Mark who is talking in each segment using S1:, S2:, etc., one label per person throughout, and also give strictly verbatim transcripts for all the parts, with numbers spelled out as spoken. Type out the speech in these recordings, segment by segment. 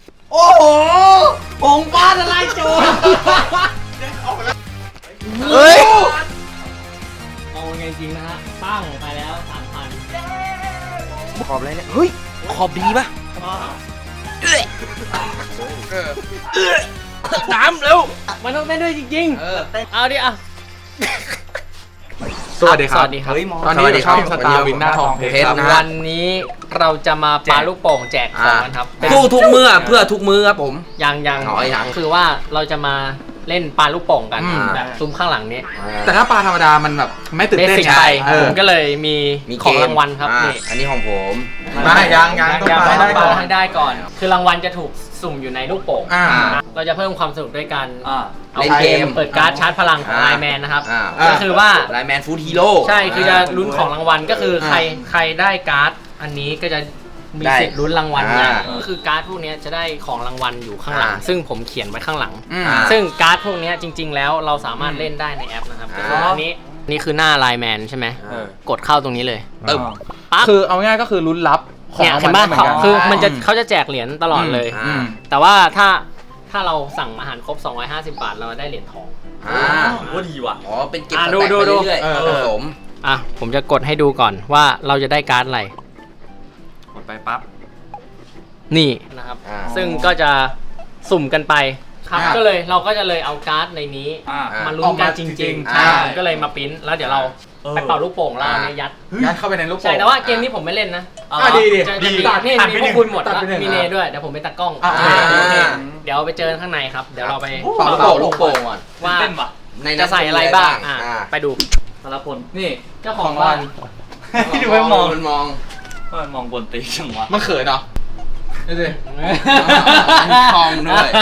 S1: โอ้โหผงป้าทลายโจรเฮ้ยเอาไงจริงนะฮะปั้งไปแล้วสามพัน
S2: ขอบอะไรเนี่ยเฮ้ยขอบดีป่ะน้ำเร็ว
S1: มันต้องเต้นด้วยจริงๆเออเอาดิอ่ะ
S3: สวัสดีครับ
S1: สวัสดีครับ
S3: ตอนนี้อยู่ช่องสตาร์วินหน้าทองเพชรนะ
S1: วันนี้เราจะมาปาลูกโป่งแจกของกันครับ
S2: สู้ทุกมือเพื่อทุกมือครับผม
S1: ยังยังคือว่าเราจะมาเล่นปาลูกโป่งกันแบบซุ้มข้างหลังนี้
S3: แต่ถ้าปลาธรรมดามันแบบไม่ตื่นเต้น
S1: ใช่ผมก็เลยมีของรางวัลครับนี่
S2: อันนี้ของผม
S3: มายังยังต้องปาให้ได้ก่อน
S1: ให้ได้ก่อนคือรางวัลจะถูกสุ่มอยู่ในลูกโป่งเราจะเพิ่มความสนุกด้วยการ
S2: เล่นเกม
S1: เปิดการ์ดชาร์จพลังของไลแมนนะครับก็คือว่า
S2: ไลแมนฟู้ดฮีโร่
S1: ใช่คือจะลุ้นของรางวัลก็คือใครใครได้การ์ดอันนี้ก็จะมีสิทธิ์ลุ้นรางวัลเนี่ยก็คือการ์ดพวกนี้จะได้ของรางวัลอยู่ข้างหลังซึ่งผมเขียนไว้ข้างหลังซึ่งการ์ดพวกนี้จริงๆแล้วเราสามารถเล่นได้ในแอปนะครับก็คืออันนี้นี่คือหน้าไลแมนใช่ไหมกดเข้าตรงนี้เลย
S3: ตึ๊บคือเอาง่ายก็คือลุ้นรับ
S1: เนี่ยเห็นป่ะคือมันจะเขาจะแจกเหรียญตลอดเลยแต่ว่าถ้าถ้าเราสั่งอาหารครบสองร้อยห้าสิบบาทเราได้เหรียญทอง
S2: อ่า
S3: ว่าดีว่ะ
S2: อ๋อเป็นเก็บสแต็กไปเรื่อยๆผสม
S1: อ่ะผมจะกดให้ดูก่อนว่าเราจะได้การ์ดอะไร
S3: กดไปปั๊บ
S1: นี่นะครับซึ่งก็จะสุ่มกันไปครับก็เลยเราก็จะเลยเอาการ์ดในนี้มาลุ้นกันจริงๆใช่ก็เลยมาปริ้นแล้วเดี๋ยวเราไปเป่าลูกโป่งแล้วเนี่ยยัด
S3: ยัดเข้าไปในลูกโป่ง
S1: ใช่แต่ว่าเกมนี้ผมไม่เล่นนะ
S3: อ่าดีดี
S1: ดีนี่มีพวกคุณหมดแล้วมีเนด้วยเดี๋ยวผมไปตัดกล้องเดี๋ยวไปเจอข้างในครับเดี๋ยวเราไป
S2: เป่าลูกโป่งก่อน
S1: ว่าจะใส่อะไรบ้างไปดู
S3: สารพลนี่
S1: เจ้าของบ้าน
S2: ดูให้มองมันมอง
S3: มันมองบนตีจังวะมันเขินเนาะนี่สิ
S2: ทองด้วย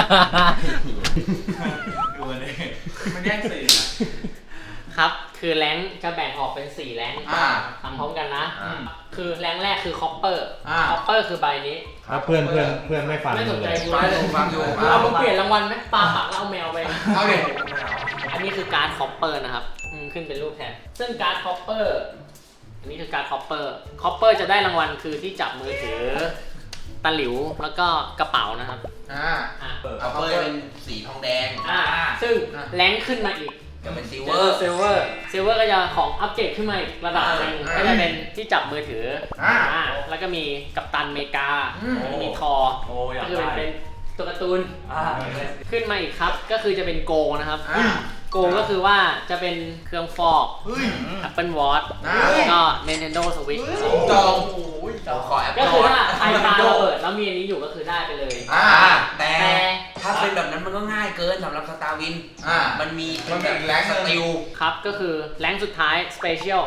S3: ดูเลยมันแย่งสี
S1: ครับคือแรงจะแบ่งออกเป็นสี่แรงทำพร้อมกันนะคือแรงแรกคือคอปเปอร์คอปเปอร์คือใบนี้
S4: เพื่อนเพื่อนเพื่อนไม่ฟัง
S1: ไม่สนใจกูเลยฟังอยู่เอาเปลี่ยนรางวัลไหมปลาปากแล้วเอาแมวไป
S3: เอาดิ
S1: อันนี้คือการ์ดคอปเปอร์นะครับขึ้นเป็นรูปแทนซึ่งการ์ดคอปเปอร์อันนี้คือการ์ดคอปเปอร์คอปเปอร์จะได้รางวัลคือที่จับมือถือตะหลิวแล้วก็กระเป๋านะครับ
S2: อ่าเอาเปอร์เป็นสีทองแดง
S1: อ่าซึ่งแรงขึ้นมาอีก
S2: จะเป็นซิลเวอร์
S1: ซิลเวอร์ซิลเวอร์ก็จะของอัปเกรดขึ้นมาอีกระดับหนึ่งก็จะเป็นที่จับมือถืออ่าแล้วก็มีกัปตันอเมริกามีทอก็คือเป็นตัวการ์ตูนขึ้นมาอีกครับก็คือจะเป็นโกนะครับโกก็คือว่าจะเป็นเครื่องฟอก Apple Watch แล้วก็ Nintendo Switch
S2: จอง
S1: ก็คือถ้าใครปาระเบิดแล้วมีอันนี้อยู่ก็คือได้ไปเลย
S2: แต่ถ้าเป็นแบบนั้นมันก็ง่ายเกินสำหรับสตาร์วินมันมี
S3: มันเป็นแรง
S2: สติล
S1: ครับก็คือแรงสุดท้าย Special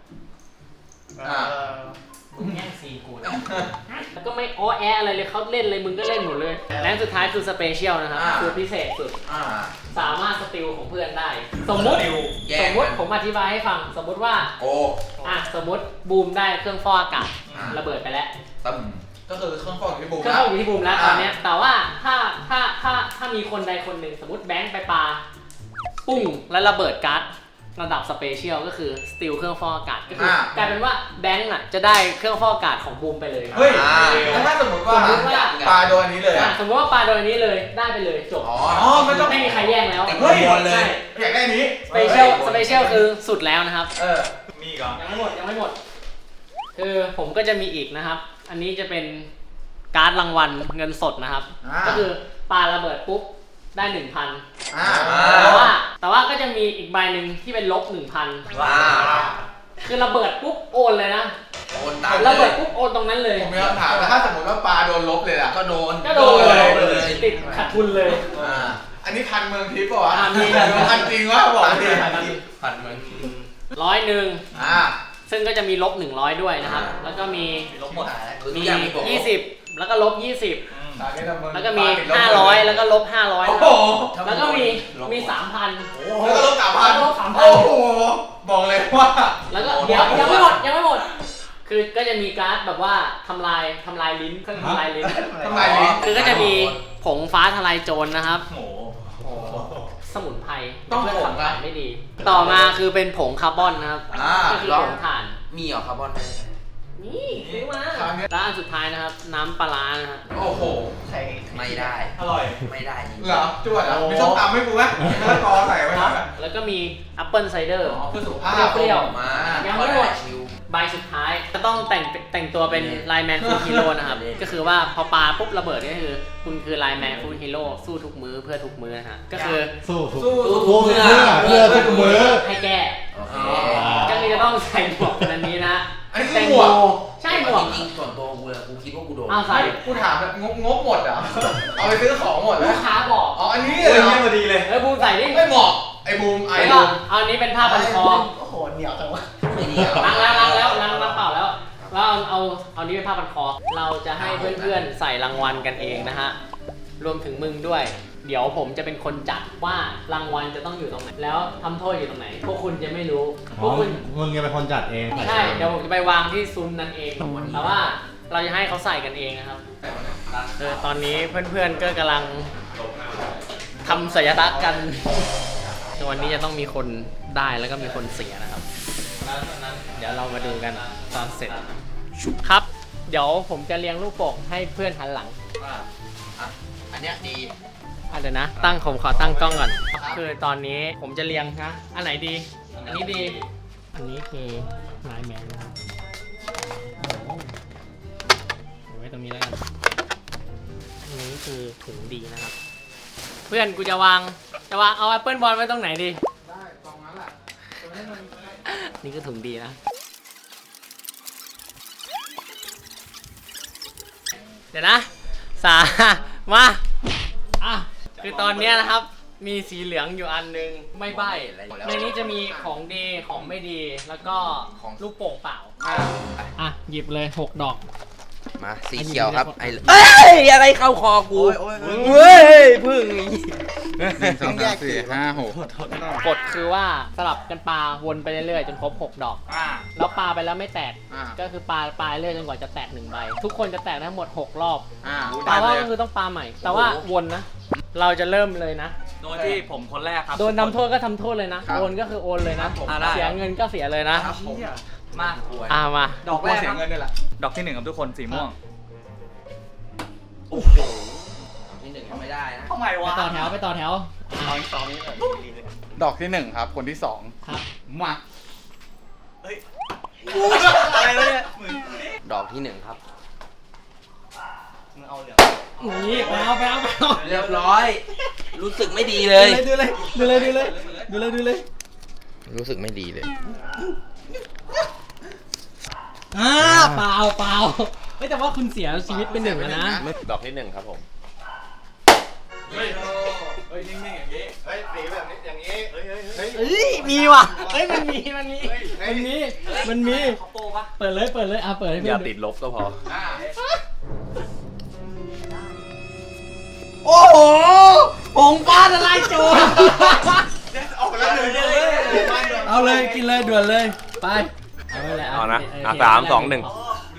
S1: มึงแย่งซีกูนะแล้วก็ไม่อ้อแออะไรเลยเขาเล่นเลยมึงก็เล่นหมดเลยแรงสุดท้ายคือสเปเชียลนะครับคือพิเศษสุดสามารถสติลของเพื่อนได้สมมติสมมติผมอธิบายให้ฟังสมมติว่า
S2: โอ้
S1: อ่ะสมมติบูมได้เครื่องฟอกอากาศระเบิดไปแล้ว
S3: ก็คือเครื่องฟอกอยู่ที่บูม
S1: เครื่องฟอกอยู่ที่บูมแล้วตอนนี้แต่ว่าถ้าถ้าถ้าถ้ามีคนใดคนหนึ่งสมมติแบงค์ไปปาปุ้งแล้วระเบิดการ์ดระดับสเปเชียลก็คือสติลเครื่องฟอกอากาศก็คือกลายเป็นว่าแบงค์อ่ะจะได้เครื่องฟอกอากาศของบูมไปเลย
S3: เฮ้ยถ้าสมมติว่าปลาโดนนี้เลย
S1: สมมติว่าปลาโดนนี้เลยได้ไปเลยจบ
S3: อ๋อไม่ต้อง
S1: ไม่มีใครแย่งแล้ว
S2: เฮ้ยเลย
S3: อยากได้นี้
S1: สเปเชียลสเปเชียลคือสุดแล้วนะครับ
S3: เออมีก่อน
S1: ยังไม่หมดยังไม่หมดคือผมก็จะมีอีกนะครับอันนี้จะเป็นการ์ดรางวัลเงินสดนะครับก็คือปลาระเบิดปุ๊บได้หนึ่งพันแต่ว่าแต่ว่าก็จะมีอีกใบหนึ่งที่เป็นลบหนึ่งพันคือระเบิดปุ๊บโอนเลยนะ
S2: โอนตาม
S1: ระเบิดปุ๊บโอนตรงนั้นเลย
S3: ผมมีคำถามแล้วถ้าสมมติว่าปลาโดนลบเลยล่ะ
S2: ก็โดน
S1: ก็โดนเลยติดขาดทุนเลย
S3: อันนี้พันเมืองทิพย์ป่ะวะพันจริงวะบอกดิ
S2: พันเมืองทิพย์
S1: ร้อยหนึ่งซึ่งก็จะมีลบหนึ่งร้อยด้วยนะครับแล้วก็มี
S3: ลบหมด
S1: มียี่สิบแล้วก็ลบยี่สิบแล้วก็มีห้าร้อยแล้วก็ลบห้าร้อยแล้วก็มีมีสามพัน
S3: แล้วก็ลบสามพัน
S1: ลบสามพัน
S3: โอ้โหบอกเลยว่า
S1: แล้วก็เดี๋ยวยังไม่หมดยังไม่หมดคือก็จะมีการ์ดแบบว่าทำลายทำลายลิ้นเครื่องทำลายลิ้น
S3: ทำลายลิ้น
S1: คือก็จะมีผงฟ้าทลายโจรนะครับโอ้สมุนไพร
S3: ต้อง
S1: เพื่อ
S3: ขั
S1: บถ่ายไม่ดีต่อมาคือเป็นผงคาร์บอนนะครับก็คือผงถ่าน
S2: มีเหรอคาร์บอน
S1: นี่ซื้อมาแล้วอันสุดท้ายนะครับน้ำปลาร้านะฮะ
S3: โอ้โห
S2: ไม่ได้
S5: ร่อย
S2: ไม่ได้จริง
S3: เหรอจวดอ่ะมีส้มตำให้กูไหมมะละกอใส่ไว้หน่อย
S1: แล้วก็มีแอปเปิลไซเดอร์
S3: อ๋อเพื่อสุขภาพ
S1: เปรี้ยว
S2: มา
S1: ยั
S2: ยัง
S1: ไม่หมด
S2: ชิว
S1: ใบสุดท้ายจะต้องแต่งแต่งตัวเป็นไลน์แมนฟูดฮีโร่นะครับ ก็คือว่าพอปาปุ๊บระเบิดก็คือคุณคือไลน์แมนฟูดฮีโร่สู้ทุกมื้อเพื่อทุกมื้อนะฮะก็คือ
S4: สู้ทุก
S2: สู้
S4: ทุกเพื่อเพื่อทุกมือ
S1: ให้แก้
S2: โอเค
S1: ก็คือจะต้องใส่หมวกอันนี้นะ
S3: อันนี้คื
S1: แต่
S3: อง หมวก
S1: ใช่หมวก
S2: จริงๆส่วนตัวกูเลยกูคิดว่ากูโดน
S1: อ้าวใส่
S3: กูถามแบบงบงบหมดอ่ะเอาไปซื้อของหมดแล้
S1: ลู
S3: ว
S1: กค้าบอก
S3: อ๋ออันนี้
S5: เฮ้
S3: เลย ยเหรอ
S5: พอดีเลย
S1: เออบูมใส่ดิ
S3: ไม่เหมาะไอ้บูมไอ้
S1: แล้วก็
S3: บูม
S1: เอาอันนี้เป็นผ้าพันคอ
S3: โอ้โหเหนียวจังวะ
S2: ไม่ดี
S1: ล้างแล้วล้างแล้วล้างน้ำเปล่าแล้วแล้วเอาเอาเอานี้เป็นผ้าพันคอ เราจะให้เพื่อนๆใส่รางวัลกันเองนะฮะรวมถึงมึงด้วย เดี๋ยวผมจะเป็นคนจัดว่ารางวัลจะต้องอยู่ตรงไหนแล้วทำโทษอยู่ตรงไหน พวกคุณจะไม่รู้พ
S4: อ๋
S1: ว
S4: อก
S1: คุณ
S4: มึงจะเป็นคนจัดเอง
S1: ใช่เดี๋ยวผมจะไปวางที่ซุ้มนั้นเองแต่ว่าเราจะให้เขาใส่กันเองนะครับเออตอนนี้เพื่อนๆก็กำลังทำสัญลักษณ์กันวันนี้จะต้องมีคนได้แล้วก็มีคนเสียนะครับ เดี๋ยวเรามาดูกันตอนเสร็จครับ เดี๋ยวผมจะเรียงลูกโป่งให้เพื่อนหันหลัง
S2: อันเนี้ยดี
S1: อ่ะเดี๋ยวนะ ตั้งผมขอตั้งกล้องก่อน คือตอนนี้ผมจะเรียงนะ อันไหนดี อันนี้ดี อันนี้คือไลน์แมนนะครับโอ้โหเอาไว้ตรงนี้แล้วกัน อันนี้คือถุงดีนะครับ เพื่อนกูจะวางจะวางเอาแอปเปิลบอลไว้ตรงไหนดี
S3: ได้ตรงนั้นแหละ
S1: นี่คือถุงดีนะ เดี๋ยวนะสามาอ่ะคือตอนเนี้ยนะครับ มีสีเหลืองอยู่อันนึงไม่ใบ้ในนี้จะมีของดีของไม่ดีแล้วก็ลูกโป่งเปล่า อ่ะ หยิบเลยหกดอก
S2: มาสีเขียวครับไอ้เอ้ยอะไรเข้าคอกูเฮ้ยพึ่ง
S3: หนึ่งสองสามสี่ห้าหก
S1: กฎคือว่าสลับกันปาวนไปเรื่อยๆจนครบหกดอก แล้วปาไปแล้วไม่แตก
S3: อ่า
S1: ก็คือปาปาเรื่อยจนกว่าจะแตกหนึ่งใบ ทุกคนจะแตกได้ทั้งหมดหกรอบ
S3: อ่า
S1: แต่ว่าก็คือต้องปาใหม่ แต่ว่าวนนะ เราจะเริ่มเลยนะ
S5: โดยที่ผมคนแรกครับ
S1: โดนทำโทษก็ทำโทษเลยนะ โอนก็คือโอนเลยนะ
S5: อ่าได้
S1: เสียเงินก็เสียเลยนะ
S3: ครับผม
S5: มา
S1: อ่ามา
S5: ดอกแรก
S3: เสียเงินด้วยล่ะ
S5: ดอกที่หนึ่งกับทุกคนสีม่วง
S2: โอ้โหที่หนึ่งยังไม่ได้นะ
S5: ทำไม
S1: ไป
S5: วะ
S1: ต่อแถวไปต่อแถว
S5: เอาอีกสองนี้เลย
S3: ดอกที่หนึ่งครับ คนที่สอง
S1: ครับ
S3: มา
S5: อะไรวะเนี่ย
S2: ดอกที่หนึ่งครับ
S5: มึงเอาเหลือง
S1: นี่ไปเอาไปเอาไปเอา
S2: เรียบร้อย รู้สึกไม่ดีเลย
S1: ดูเลยดูเลยดูเลยดูเลยดูเลย
S2: รู้สึกไม่ดีเลย
S1: อ่าเปล่าเปล่าเฮ้ยแต่ว่าคุณเสียชีวิตเป็นหนึ่งแล้วนะ
S6: ดอกที่หนึ่งครับผม
S5: เฮ้ยเฮ้ยนิ่งๆอย่างนี้
S3: เฮ้ยสีแบบนี้อย่างนี้ เฮ้ยเฮ้ยเฮ้ย
S1: เฮ้ยมีว่ะเฮ้ยมันมีมันมีมันมีมันมี
S5: เขาโป้ปะ
S1: เปิดเลยเปิดเลยอ่ะเปิดให้
S6: อ
S1: เพื่
S6: ย่า
S1: อน
S6: ติดลบก็พอ
S3: อ่า
S1: โอ้โหผงฟ้าละลายโจร
S3: ออกแล้วหนึ่งเลย
S1: เอาเลยกินเลยด่วนเลยไปเอาเลย
S6: เอานะอ่ะสามสองหนึ่ง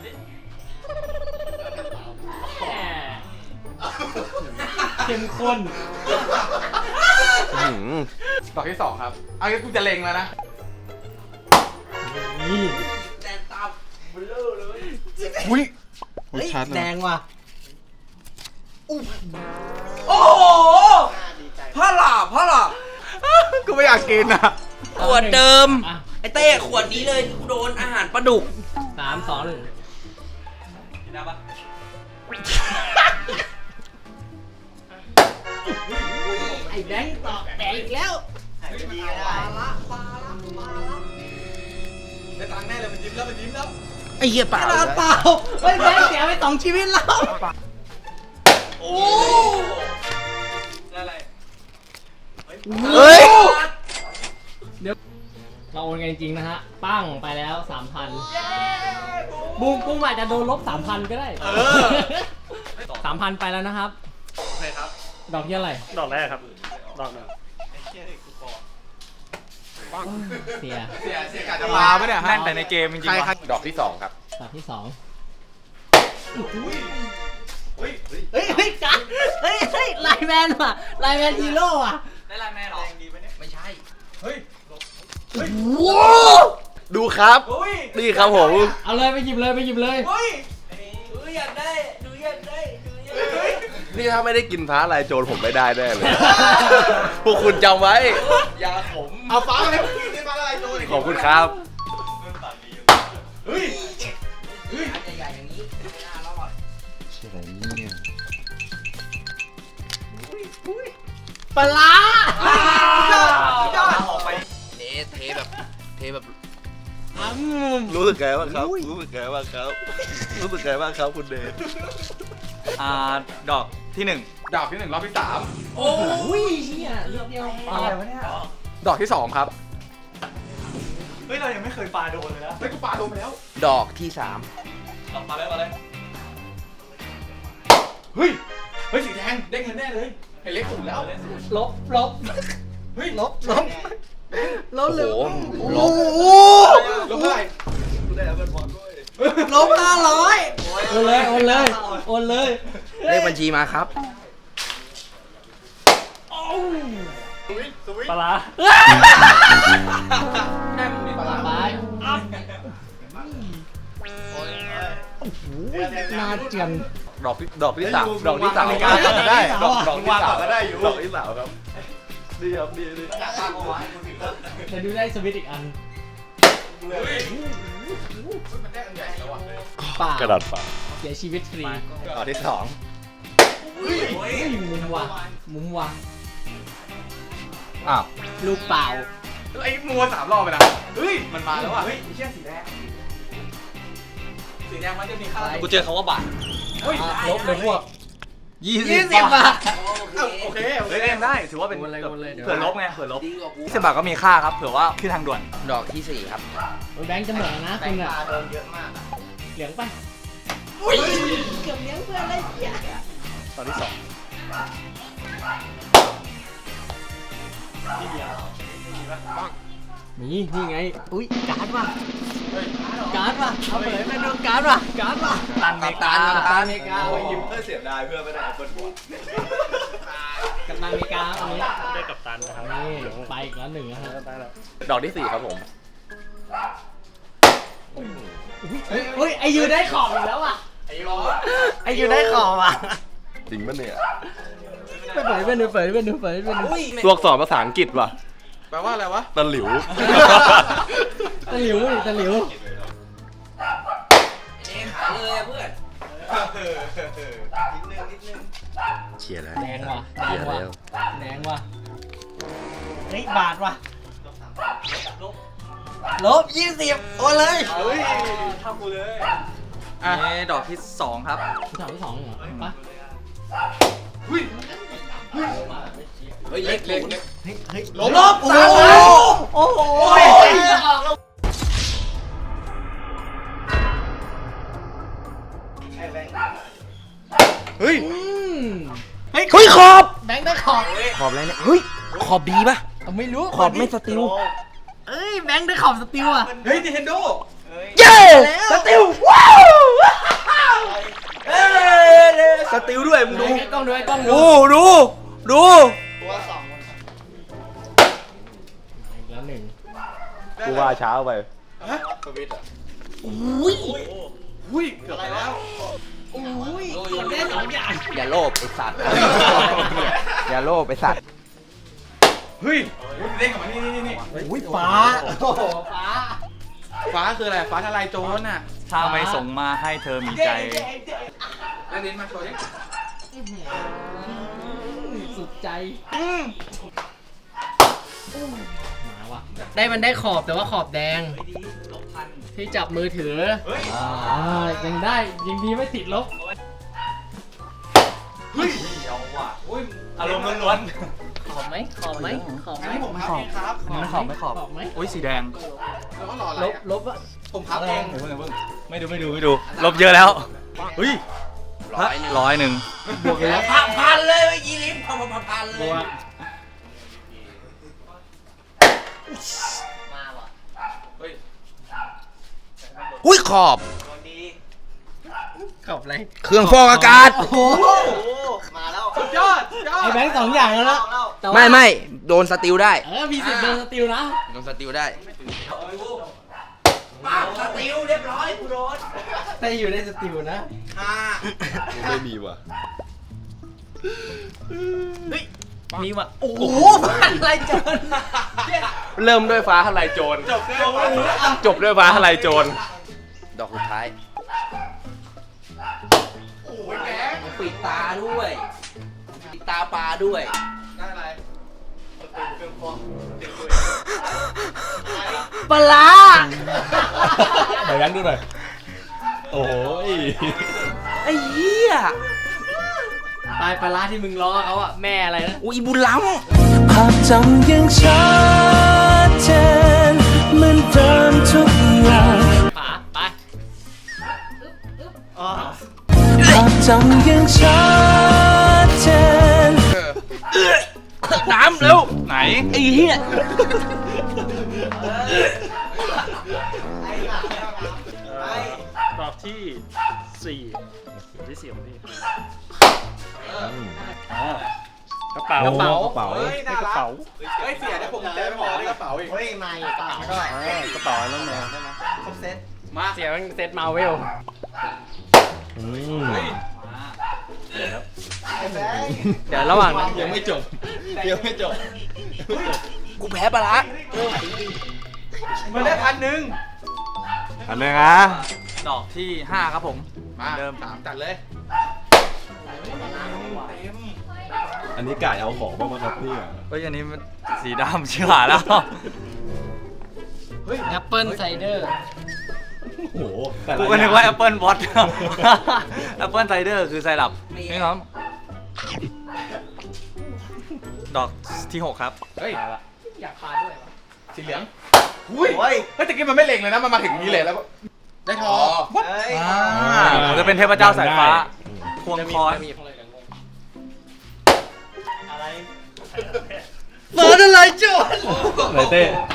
S1: เข้มข้น
S6: อื้อหือ
S3: ดอกที่สองครับเอางี้กูจะเล็งแล้วนะ
S1: นี่
S2: แต่ตับเบลอเลย
S3: อุ้ย
S1: เฮ้ยแดงว่ะ
S2: โอ้โหพ่อหล่อพ่อหล่อ
S3: กูไม่อยากกินอ่ะ
S2: ขวดเดิม
S1: อ่ะ
S2: ไอ้เต้ขวดนี้เลยที่กูโดนอาหารปลาดุก
S1: สามสองหนึ่ง
S5: กินได้ปะ
S1: ไอ้แดงตอกแดงอีกแล้ว
S3: ได้ตังค์แน่เลยมันยิ้มแล้วมันยิ้มแล้ว
S2: ไอ้เหี้ยเปล่า
S1: กระดาษเปล่าเฮ้ยแดงเสียไปสองชีวิตแล้ว
S5: โอ้ได้อะไร
S2: เฮ้ย
S1: เราโอนกันจริงๆนะฮะ ปั้งไปแล้วสามพันบูมบูมอาจจะโดนลบสามพันก็ได้สามพันไปแล้วนะครับ
S5: โอเคครับ
S1: ดอกเยี่ยอะไร
S6: ดอกแรกครับ ดอกหนึ่ง
S5: ไอ้เหี้ยกูคอ
S1: เสีย
S3: เสียเสียกาจะมาปะเนี่ยฮะ
S5: แม่นแต่ในเกมจริง
S3: ใคร
S5: ๆ
S3: ใคร
S5: วะ
S6: ดอกที่สองครับ
S1: ดอกที่สอง
S3: เฮ้ย
S1: เฮ้ยเฮ้ยจ้าเฮ้ยเฮ้ยไลน์แมนว่ะไลน์แมนฮีโร่ว่ะ
S5: ได้ไลน์แมนเหรอดีปะเนี่ย
S2: ไม่ใช่
S3: เฮ้ย
S6: ดูครับ
S5: เฮ้ย
S6: นี่ครับผม
S1: เอาเลยไปหยิบเลยไปหยิบเลย
S5: เฮ้ย
S2: หนูอยากได้หนูอยากได้หนูอยากได้
S6: นี่ถ้าไม่ได้กินฟ้าลายโจรผมไม่ได้แน่เลย พวกคุณจำไว้
S3: ยาขมเอาฟ้าเลยนี่ฟ้าอะไรโดน
S6: ขอบคุณครับ
S3: เฮ้ย
S2: ใหญ่ๆอย่างนี้ไม่น่ารอด
S4: อะไรเนี่ย
S1: ปลาร้า
S2: ยอดออกไปเทเทแบบเทแบบ
S6: รู้สึกไงบ้างครับ รู้สึกไงบ้างครับ รู้สึกไงบ้างครับคุณเดช
S5: อ่าดอกที่หนึ่ง
S3: ดอกที่หนึ่งรอบที่สาม
S2: โอ้ย
S1: เชี่ยเลือกเดียว
S5: อะไรวะเนี่ย
S3: ดอกที่สองครับ
S5: เฮ้ยเรายังไม่เคยปลาโดนเลยนะ
S3: เฮ้ยกูปาโดนไปแล้ว
S2: ดอกที่สาม
S5: เอามาเลยมาเลย
S3: เฮ้ย เฮ้ยสีแดงได้เงินแน่เลยเห็นเล็กสุดแล้ว
S1: ลบลบ
S3: เฮ้ย
S1: ลบลบลบเหลือ
S2: โอ้โห
S3: ลบเท่าไหร่
S2: ลบห้าร้อย
S1: โอนเลยโอนเลยโอนเลย
S2: เลขบัญชีมาครับ
S1: ปลาร้า
S3: แน่มึงมีปลาร้า
S1: ไปน่าเจียน
S6: ดอกที่ดอกที่สามดอกที่สามดอกที่ได้ดอกดอกที่สามก็ได้อยู่ดอกที่สามครับดีครับดีดี
S1: จะดูได้สวิตช์อีกอัน
S3: มันได้อันใหญ่แล้วอ่ะ
S1: ป่าก
S6: ระดาษเปล่า
S1: เสียชีวิตฟรี
S6: ดอกที่สอง
S1: เฮ้ยมุมวะมุมวะ
S6: อ้าว
S1: ลูกเปล่า
S3: ไอ้มัวสามรอบไปนะเฮ้ย มันมาแล้วอ่ะ เฮ้ยไอ้เชี่ยสีแดง สีแดงมันจะมีค่า
S5: กูเจอเขาว่าบาท
S3: เฮ้ย
S1: ลบเลยพวก
S6: ยี่สิบบาท
S3: โอเคโอเค
S5: เฮ้ยเล่นได้ถือว่าเป็น
S1: โอนเลยโอนเลยเดี๋ยว
S5: เผื่อลบไงเผื่อลบ
S2: ดีกว่ากู
S5: ยี่สิบบาทก็มีค่าครับเผื่อว่าขึ้นทางด่วน
S2: ดอกที่สี่ครับ
S1: โอ้ยแบงค์จะเหมือนนะ
S2: แบ
S1: คุ
S2: ง
S1: ณ
S2: ค์
S1: อะ
S2: ปลาโดนเยอะมากอะ
S1: เหลียงไป
S6: ดอกที่สอง
S1: มีนี่ไงอุ้ยการ์ดว่ะการ์ดว่ะเอาไปเลยแม่ดูการ์ดว่ะการ์ดว่ะ
S5: ตันเม
S2: กัป
S5: กา
S2: ตันกัปตัน
S1: อเมริกา
S6: หยิบเพื่อเสียดายเพื่อไม่ได้แอปเปิลบอร์ด
S1: กับตันอเมริกาอันนี้
S6: ได้กับตันนะครับ
S1: นี่ไปอีกแล้วหนึ่งนะฮะ
S6: ดอกที่สี่ครับผม
S1: เฮ้ยเฮ้ยไอยูได้ของอีกแล้วอ่ะ
S3: ไอ้รอ
S1: ไอยูได้ของอ่ะ
S6: จริงปะเนี่ย
S1: ไปเปิดเป็นดูเปิดเป็นดูเปิดเป็นดู
S2: อุ้ย
S6: ตัวอักษรภาษาอังกฤษว่ะ
S3: แปลว่าอะไรวะ
S6: ตะหลิว
S1: ตะหลิวตะหลิว
S2: เอ๊ะขายเลยอะเพื่อน นิดนึงนิดนึง
S6: เชียร์แล้ว
S1: แดงว่ะแด
S6: เชีย
S1: ง
S6: ร์
S1: ว่ะ
S6: แล้ว
S1: แดงว่ะเฮ้ยบาทว่ะลบยี่สิบโอนเลย
S3: เฮ้ย
S5: เท่ากูเลย
S3: อ่ะ
S5: นี่ดอกที่สองครับ
S1: สองที่สองเหรอปะ
S3: เฮ้ย
S2: เฮ้ยเล็ก
S3: เล็
S2: เล็
S3: ก
S2: ก
S3: เล็ก
S2: ลบลบโอ้โห
S1: โอ้โห
S3: เฮ้ย
S1: เฮ้ย
S2: เฮ้ยขอบ
S1: แบงค์ได้ขอบ
S2: ขอบอะไรเนี่ย เฮ้ย ขอบดีป่ะ
S1: ไม่รู้
S2: ขอบไม่สติล
S1: เอ้ยแบงค์ได้ขอบสติลอ่ะ
S3: เฮ้ย Nintendo
S2: เย้สติลว้าวเอ้ยสติลด้วยมึง
S1: ดู
S2: ดู
S1: กล้องดูกล้องดู
S2: ดูดูดู
S1: อีกแล้วหนึ่ง
S6: กูว่าเช้าไป
S3: ฮะ
S2: อุ้ย
S3: หุ้ย เกือบไปแล้ว
S1: อุ้ยคนได้สองอย่าง
S2: อย่าโลภไอ้สัตว์ อย่าโลภไอ้สัตว์
S3: เฮ้ยอุ๊ยเล่นกับมันนี่นี่นี่
S1: อุ้ยฟ้าโอ้โหฟ้า
S3: ฟ้าคืออะไร ฟ้าทลายโจรน่ะ
S5: ถ้าไม่ส่งมาให้เธอมีใจ
S3: แล้วลิ้นมาโชว์ดิ
S1: สุดใจมาว่ะได้มันได้ขอบแต่ว่าขอบแดงที่จับมือถืออ่ายังได้ยังดีไม่ติดลบ
S5: อารมณ์ล้วน
S1: ขอบไหมขอบไหมขอบไหม
S3: อันนี้ผมพับเองครับ
S5: ๆไม่ขอบไม่ขอบ
S1: ขอบไหม
S5: อุ้ยสีแดง
S3: แล้วก็รออะไร
S1: ลบ
S3: อ่ะ
S1: ลบอะ
S3: ผมพับเอง
S5: เดี๋ยวเพิ่งเดี๋ยวเพิ่งไม่ดูไม่ดูไม่ดู ลบเยอะแล้วเฮ้ยร้อยหนึ่ง
S1: บวกแล้ว
S2: พันพันเลยเมื่อกี้ลิ้นพันพันพันเล
S1: บ
S2: ยว
S1: ก
S2: มาว่ะ
S3: เฮ้ย
S2: อุ้ยขอบ
S1: ขอบอะไร
S2: เครื่องฟอกอากาศ
S1: โอ้โห
S3: สุดยอดสุดยอด
S1: ไอ้แบงค์สองอย่างแล้วนะแต่ว่า
S2: ไม่ไม่โดนสติลได้
S1: เออมีสิทธิ์โดนสติลนะ
S2: โดนสติลได้ป้าสติลเรียบร้อยกูโดน
S1: แต่อยู่ในสติลนะ
S2: ห้า
S6: กูไม่มีว่ะ
S2: มีมาโอ้โหอะไรจน
S6: เริ่มด้วยฟ้าทลายโจร จบด้วยฟ้าทลายโจร
S2: ดอกสุดท้าย
S3: โอ้ยแก
S2: ปิดตาด้วยปิดตาปลาด้วย
S3: ได้อะไร
S2: ปลา
S4: ไหนยันดูหน่อย โอ้ย
S2: ไอ้เหี้ย
S1: ตายปลาร้าที่มึงล้อเขาอะแม่อะไรนะ
S2: อุ้ยบุญล้ำภาพจำยังชัดเจนเหมือนเดิมทุกอย่าง
S1: ป๋าไป
S2: ภาพจำยังชัดเจนน้ำเร็ว
S5: ไหน
S2: ไอ้เหี้ย
S5: ดอกที่สี่ที่สี่ของพี่กระเป๋าก
S4: ระเป๋ากระเป๋า
S3: เฮ้ยน่ารัก
S5: กระเป๋า
S3: เฮ้ยเสียได้ผมแจไม่พอได้กระเป๋าอีก
S4: เฮ้ยในกระเป๋าด้วยกระเป๋าแล้วแมว
S3: ครบเซ็ต
S1: มาเสียงเซตมาเวล
S4: อืม
S1: เดี๋ยวระหว่างนั้น
S4: ยังไม่จบยังไม่จบ
S2: กูแพ้ปลาร้า
S3: มันได้พันหนึ่ง
S5: อันนึงนะ
S1: ดอกที่ห้าครับผม
S3: มาเริ่มสามจัดเลย
S4: อันนี้ก่ายเอาของบ้างไหมครับเนี่ย
S5: เฮ้ยอันนี้มันสีดำชิบหายแล้ว
S1: แอปเปิลไซเดอร์
S4: โอ้โหแต่ละ
S5: กูก็นึกว่าแอปเปิลบอทแอปเปิลไซเดอร์คือไซรัปนี่ครับดอกที่หกครับ
S3: เฮ้ย
S1: อยากพาด้วยวะ
S3: สีเหลืองหุ้ยเฮ้ยตะกี้มันไม่เล็งเลยนะมันมาถึงนี้เลยแล้วก็ได้ทอ
S5: ผมจะเป็นเทพเจ้าสายฟ้าควงคอน
S2: เปิดอะไรโจน
S4: ไหนเต้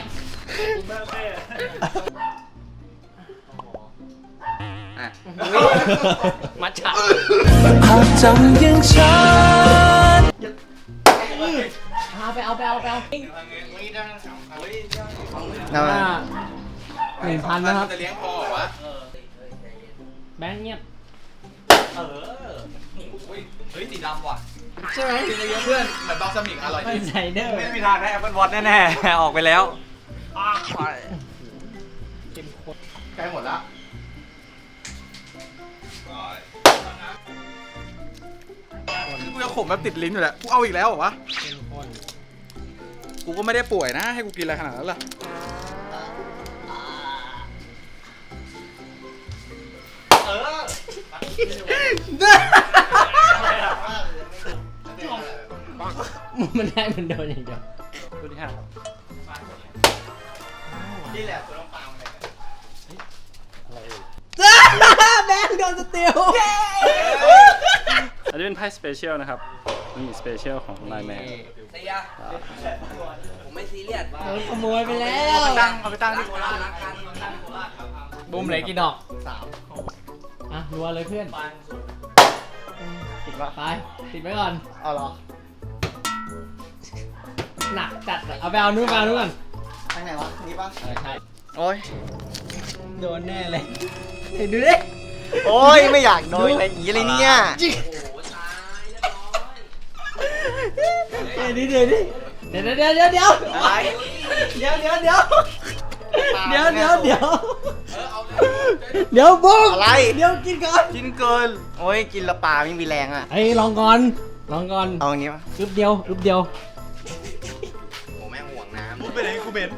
S1: มัทฉะ
S2: ภาพจำยังชัด
S1: พาไปเอาไปเอาไปเอา
S2: นะ
S1: หนึ่งพันนะครับ
S3: จะเลี้ยงพอเหรอวะ
S1: แบงค์เงียบ
S3: เฮ้ยสีดำว่ะ
S1: ใช่ไหม
S3: กินเยอะๆเพื่อนเหมือนบอลสมิกอร่อย
S1: แอปเปิ
S3: ดี
S1: ลไซเดอร์
S5: ไม่มีทางได้แอปเปิลบอทแน่ๆ ออกไปแล้ว
S3: ใกล้หมดละ
S6: กูจะขมแบบติดลิ้นอยู่แหละกูเอาอีกแล้วเหรอวะ กูก็ไม่ได้ป่วยนะ ให้กูกินอะไรขนาดนั้นล่ะ
S1: มันได้มันโดนอย่างเดียว
S5: ตัวที่ห้า
S2: แบงค์โดนสติล
S5: อันนี้เป็นไพ่สเปเชียลนะครับ นี่สเปเชียลของไลน์แมน
S2: เสียผมไม่ซีเรียส
S1: โดนขโมยไปแล้ว
S5: ตั้งเอาไปตั้งที่
S1: บูมเหลือกี่ดอกสามอ่ะรัวเลยเพื่อนติดวะไปติดไว้ก่อนเอาหรอหนักจัดอะเอาไปเอานู่นไปเอานู่นก่อน
S2: ทางไหนวะนี่ปะ
S1: เออใช่
S6: โอ้ย
S1: โดนแน่เลยเห็นดูดิ
S2: โอ้ยไม่อยากโดนอะไรอย่างนี้เลยเนี่ย
S1: เดี๋ยวดิเดี๋ยวดิเดี๋ยวเดี๋ยวเดี๋ยวเดี๋ยวเดี๋ยวเดี๋ยวเดี๋ยวเดี๋ยวเดี๋ยวเดี๋ยวเดี๋ยวบุ๊ก
S2: อะไร
S1: เดี๋ยวกินก่อน
S5: กินเกิน
S2: โอ้ยกินละปลาไม่มีแรงอ่ะ
S1: ไอ้ลองก่อนลองก่อน
S2: เอาอย่างนี้ปะ
S1: อึบเดียวอึบเดียว
S2: โอ้แม่งห่วงน้ำ
S5: พูดไปไหนกูเบน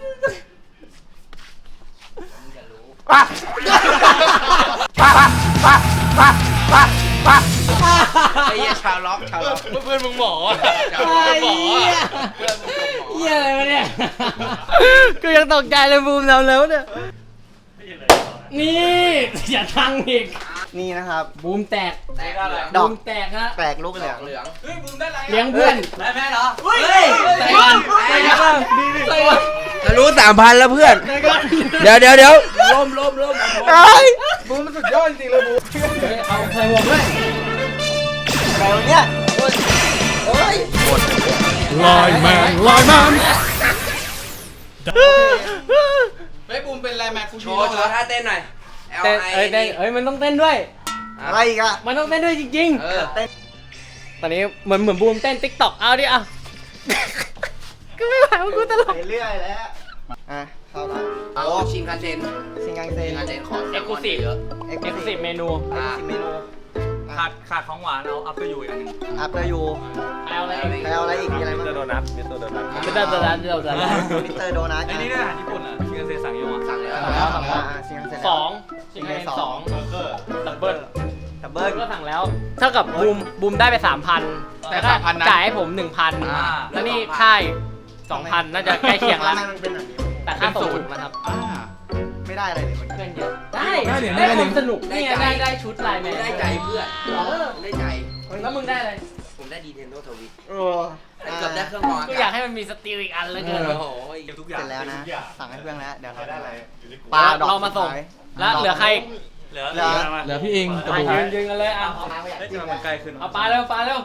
S2: ไอ้เหี้ยชาวล็อกชาวล็อก
S5: เพื่อนมึงหมออ่ะ
S1: ไอ้เหี้ยเหี้ยอะไรวะเนี่ยกูยังตกใจเลยบูมทำแล้วเนี่ยนี่อย่าทังอีก
S2: นี่นะครับ
S1: บูมแตก
S2: ดอก
S1: บูมแตกฮะ
S2: แตกลูกเหลือง
S3: เหลืองเฮ้ยบูมได้ไร
S1: เลี้ยงเพื่อน
S3: ได้แม่เหรอ
S1: เฮ้ยใส่ก่อนใส่ก่อนใส่ก่อน
S2: ทะลุสามพันแล้วเพื่อน
S1: ใส่ก่อน
S2: เดี๋ยวเดี๋ยวเดี๋ยวล้มล้มล้มไอ้
S3: บูมมันสุดยอดจริงๆเลยบูม
S1: เฮ้ยเอาใส่หมวกด้วย
S2: อะไรวะเนี่ยโอ้ย
S4: ลอยแมนลอยแมน
S3: เฮ้ยบูมเป็นไรแม็กซ์
S2: โชว์โชว์ท่าเต้นหน่อย
S1: เต้นเอ้ยเต้นเอ้ยมันต้องเต้นด้วย
S2: อะไรอีกอะ
S1: มันต้องเต้นด้วยจริง
S3: เออ
S2: เต้น
S1: ตอนนี้เหมือนเหมือนบูมเต้นติ๊กต็อกเอาดิอ่ะ ก็ไม่ไหวว่ากูตลก
S2: ไปเรื่อยแล้วอ่ะเข้าละ
S6: เอาชิงคันเซ็น
S2: ซิงกังเซ
S6: ชิ
S2: น
S6: งคันเซ็นขอ
S1: เอ็กซ์คลูซีฟ
S6: เยอะ
S2: เอ็ก
S1: เอ็กซ์คลูซีฟเมนู
S2: อ่ะเมนู
S4: ขาดขาดของหวานเอาอัพเตอร์ยูอีกอันหนึง
S2: อัพเตอร์ยู
S1: เอาอะไร
S2: ใครเอาอะไรอีกมีอะไร
S4: มิ
S2: บ้าง
S4: สเตอร์โดนัทมิสเตอร์โดนัท
S1: ไม่ได้จะร้านเดียวจะร้าน
S2: มิสเตอร์โดนัท
S4: ไอ้นี่ด้วยอาหารญี่ปุ่นอ่ะชิคเก้นเซสั่งยังวะ
S6: สั่งเลย
S2: สั่งแล้วสั่งแล้วอ่ะซิงกังเซน
S1: สองชิคเก้นสองดับเบิ้ล
S2: ดับเบิ้ล
S1: ก็สั่งแล้ว เท่ากับบูมบูมได้ไปสามพันแต่ก็จ่ายให้ผมหนึ่งพันแล้วนี่ค่ายสองพันน่าจะใกล้เคียงแล้ว
S2: ทำไมมันเป็นแบบนี้
S1: แต่ค่าส่งถูกนะครับ
S2: อ่าไม่ได้อะไรเลยมัน
S1: เพื่อนเยอะได้ได้ความสนุกนี่ไงได้ได้ชุดลายแมน
S6: ได้ใจเพื่อนได้ใจ
S1: แล้วมึงได้อะไร
S6: ผมได้ Nintendo Switch
S2: โอ้
S6: เกือบได้เครื่องนอน
S1: กูอยากให้มันมีสติลอีกอันเหลยเกิน
S6: โอ้โห
S4: ทุกอย่าง
S2: เสร็จแล้วนะ สั่งให้เพื่อนแล้ว เดี๋ยวเราได้อะไร
S1: ปลาเรามาส่ง แล้วเหลือใครอีก
S4: เหลือ
S2: เหลือ
S4: เหลือพี่อิงกับ
S1: อ่ะ
S4: บู
S1: ยืนยืนกันเลยอ่ะ
S4: ได้จะมันใกล้ขึ้น
S1: เอาปลาเร็วปลาเร็ว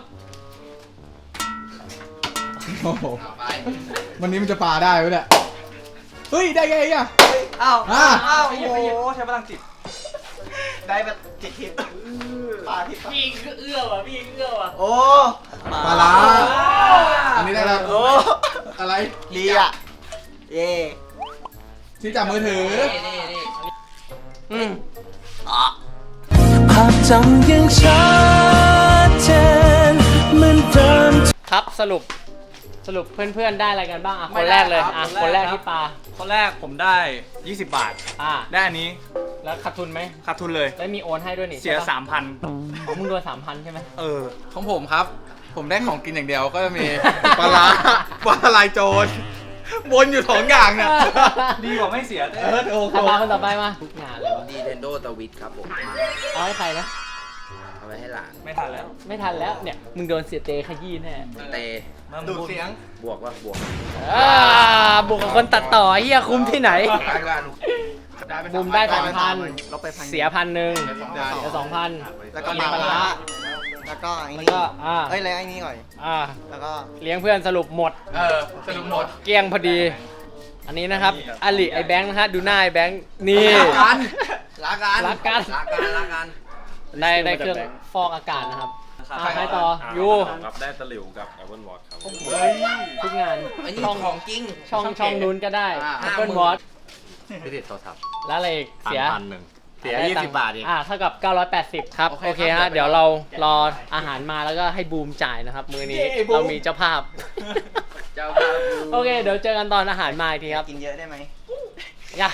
S3: โอ้โห
S6: เอาไป
S3: วันนี้มันจะปลาได้ไหมเนี่ยเฮ้ย ได้ไงอ่ะ
S2: อ้าว
S3: อ่ะ
S2: อ้าว
S4: โอ้
S2: โอ้
S4: โห
S2: โห
S4: ใช้พลังจิต
S2: ได้แบบจิตทิพย์ปลาทิพย์
S1: พี่ก็เอื้อว่ะพี่เอื้อว่ะ
S2: โอ้
S3: ปลาล้าอันนี้ได้แล้ว
S2: โอ้
S3: อะไร
S2: ดีอ่ะ เย่
S3: ที่จับมือถือ
S6: นี่นี่นี่
S1: อืม
S7: ภาพจำยังชัดเจนเหมือนเดิม
S1: ครับสรุปสรุปเพื่อนๆได้อะไรกันบ้างอ่ะคนแรกเลยอ่ะคนแรกที่ปลา
S4: คนแรกผมได้ ยี่สิบบาท
S1: อ่ะ
S4: ได้อันนี้
S1: แล้วขาดทุนไหม
S4: ขาดทุนเลย
S1: แล้วมีโอนให้ด้วยนี่
S4: เสีย
S1: ใช่ปะ
S4: สามพัน
S1: อ๋อมึงโดนสามพันใช่ไหม
S4: เออ
S3: ของผมครับ ผมได้ของกินอย่างเดียวก็จะมี ปลาร้าปลาลายโจรวนอยู่สองอย่างเนี่ย
S4: ดีกว่าไม่เสีย
S3: เออโอ้โห
S1: อ่ะปลาคนต่อไปมาทุกงานเลยวะ
S6: Nintendo Switch ครับผม
S1: เอาให้ใครนะ
S6: เอาไปให้หลาน
S4: ไม่ทันแล้ว
S1: ไม่ทันแล้วเนี่ยมึงโดนเสียเตขยี้แน่
S6: เต
S3: ดูดเสียง
S6: บวกว่าบวก
S1: อ่าบุกกับคนตัดต่อเฮียคุ้มที่ไหน
S6: ได้บ้าน
S1: บูมได้สองพัน
S2: ลบไปพัน
S1: เสียพันหนึ่ง
S2: เดี๋ยว
S1: เสียสองพัน
S2: แล้วก็
S1: เลี้ยง
S2: ป
S1: ป
S2: ลา
S1: ลา
S2: ร้า
S1: ร้า
S2: แล้วก็ไอ้
S1: แล้ว
S2: นี่
S1: ก็อ่า
S2: เอ้ยแล้วไอ้นี่ก่อน
S1: อ่า
S2: แล้วก็
S1: เลี้ยงเพื่อนสรุปหมด
S3: เออสนุกหมด
S1: เกลี้ยงพอดี อันนี้นะครับอลิไอแบงค์นะฮะดูหน้าไอแบงค์นี่
S6: รักกัน
S1: รักกัน
S6: รักกันรักกัน
S1: ได้ได้เครื่องฟอกอากาศนะครับอ่าใครต่อยู
S5: ครับได้ตะหลิวกับ Apple Watch ครับ
S1: ทุกงาน
S6: อันนี้
S1: ช่อง
S6: ของจริง
S1: ช่องช่องนู้นก็ได้
S6: อ่า
S1: Apple Watch
S5: ไม่ติดโทรศัพท์
S1: แล้วอะไรอีกเสีย
S5: พันหนึ่งเสีย
S1: ได้
S5: ยี่
S1: ตั
S5: สิ
S1: ง
S5: บบาทอีก
S1: อ่าเท่ากับเก้าร้อยแปดสิบครับ โอเคฮะ เดี๋ยวเรารออาหารมาแล้วก็ให้บูมจ่ายนะครับ มือนี้เรามีเจ้าภาพ
S6: เจ้าบ้าน
S1: โอเค เดี๋ยวเจอกันตอนอาหารมาอีกทีครับ
S2: กินเยอะได้ไหม
S1: อย่า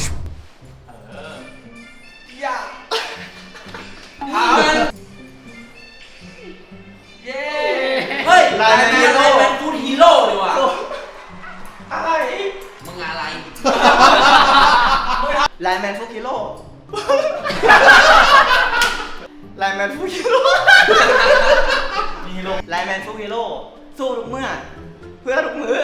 S2: เฮ้ยลายแมนฮีโร่
S6: เป็นฟูดฮีโร่ดีกว่า
S2: อะไร
S6: มึงอะไร
S2: ไลน์แมนฟุกิโร่ ไลน์แมนฟุกิโร่ไลน์แมนฟุกิโร่สู้ทุกเมื่อ เพื่อทุกมือ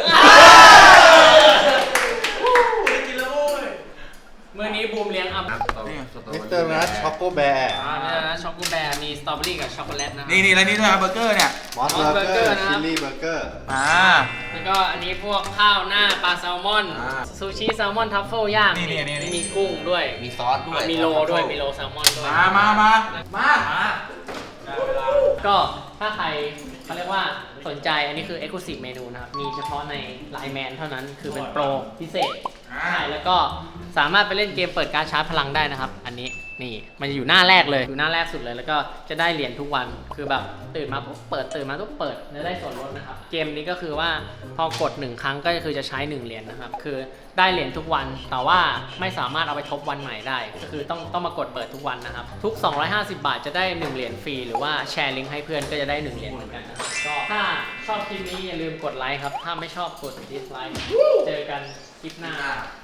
S1: มือนี้บูมเลี้ยงอัพ
S6: มิสเตอร์นัทช็อกโกแบร์
S1: อ่าเนี่ยนะช็อกโกแบร์มีสตรอเบอรี่กับช็อกโกแลตนะครับ
S3: นี่นี่อะไรนี่ด้วยนะเบอร์เกอร์เนี่ย
S6: มอส
S1: มอสเบอร์เกอร์นะครับ
S6: ชิลลี่เบอร์เกอร์
S3: อ่า
S1: แล้วก็อันนี้พวกข้าวหน้าปลาแซลมอน
S6: อ่า
S1: ซูชิแซลมอนทัฟเฟิลย่าง
S3: นี่นี่นี่นี่
S1: มีกุ้งด้วย
S6: มีซอสด้วย
S1: มีโลด้วย มีโลแซลมอนด้วย
S3: มามามามา
S1: ก็ถ้าใครเขาเรียกว่าสนใจอันนี้คือ Exclusive เมนูนะครับ มีเฉพาะใน ไลน์ แมน เท่านั้นคือเป็นโปรพิเศษใช่แล้วก็สามารถไปเล่นเกมเปิดการชาร์จพลังได้นะครับ อันนี้นี่มันจะอยู่หน้าแรกเลยอยู่หน้าแรกสุดเลย แล้วก็จะได้เหรียญทุกวันคือแบบตื่นมาปุ๊บเปิดตื่นมาปุ๊บเปิดแล้วได้ส่วนลดนะครับ เกมนี้ก็คือว่าพอกดหนึ่งครั้งก็คือจะใช้หนึ่งเหรียญนะครับคือได้เหรียญทุกวันแต่ว่าไม่สามารถเอาไปทบวันใหม่ได้ก็คือต้องต้องมากดเปิดทุกวันนะครับทุกสองร้อยห้าสิบบาทจะได้หนึ่งเหรียญฟรีหรือว่าแชร์ลิงก์ให้เพื่อนก็จะได้หนึ่งเหรียญเหมือนกันนะครับก็ถ้าชอบคลิปนี้อย่าลืมกดไลค์ครับถ้าไม่ชอบกดดิสไลค์เจอกันคลิปหน้า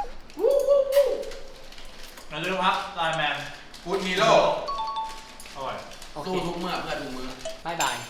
S4: อย่าลืมครับไลน์แมน
S3: ฟูดฮีโร่
S4: อร่อย
S1: โอเค
S6: สู้ทุกเมื่อเพื่อทุกมือ
S1: บ๊ายบาย